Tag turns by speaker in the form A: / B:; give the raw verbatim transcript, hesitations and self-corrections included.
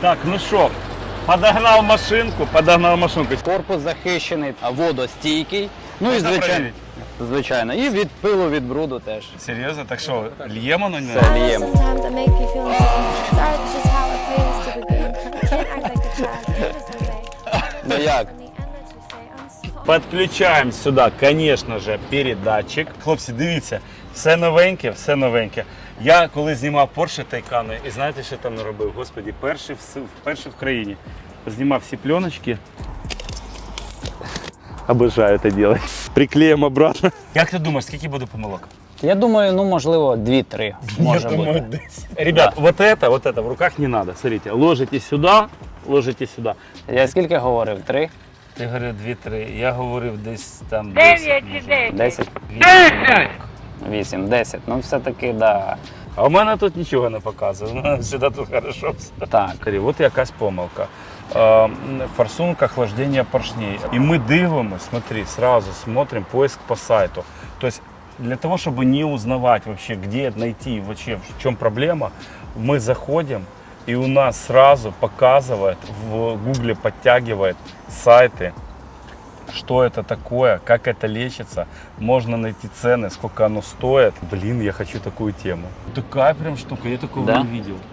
A: Так, ну що, подогнав машинку, подогнав машинку.
B: Корпус захищений, а водостійкий. Ну і
A: Можна
B: звичайно,
A: перевірити?
B: звичайно. І від пилу, від бруду теж.
A: Серйозно? Так що, льємо на нього?
B: Все, ліємо.
C: Sometimes I make you feel insane. Sorry, that's just how it plays to the game. Can't act like a child. Maybe someday.
B: Ну як?
C: In the end, let's just say I'm sorry.
A: Підключаємо сюди, звісно ж, передатчик. Хлопці, дивіться, все новеньке, все новеньке. Я коли знімав Porsche Taycan, і знаєте, що там не робив? Господи, перший в, перший в країні. Знімав всі пленочки. Обожаю це робити. Приклеїмо обратно. Як ти думаєш, скільки буде помилок?
B: Я думаю, ну можливо, дві-три може бути.
A: десять. Ребят, вот это, вот это в руках не надо. Смотрите, ложите сюда, ложите сюда.
B: Я скільки говорив? Три?
A: Ти говорив дві-три, я говорив десь там
D: Дев'ять чи десять.
B: Десять? Вісім, десять. Ну все-таки, да.
A: А у мене тут нічого не показує, у мене завжди тут хорошо все.
B: Так.
A: От якась помилка. Е, Форсунка охлаждення поршней. І ми дивимося, смотри, сразу смотрим поиск по сайту. Тобто для того, чтобы не узнавать вообще, где найти, вообще, в чем проблема, мы заходим, и у нас сразу показывает, в Гугле подтягивает сайты, что это такое, как это лечится, можно найти цены, сколько оно стоит. Блин, я хочу такую тему. Такая прям штука, я такого
B: Да?
A: не видел.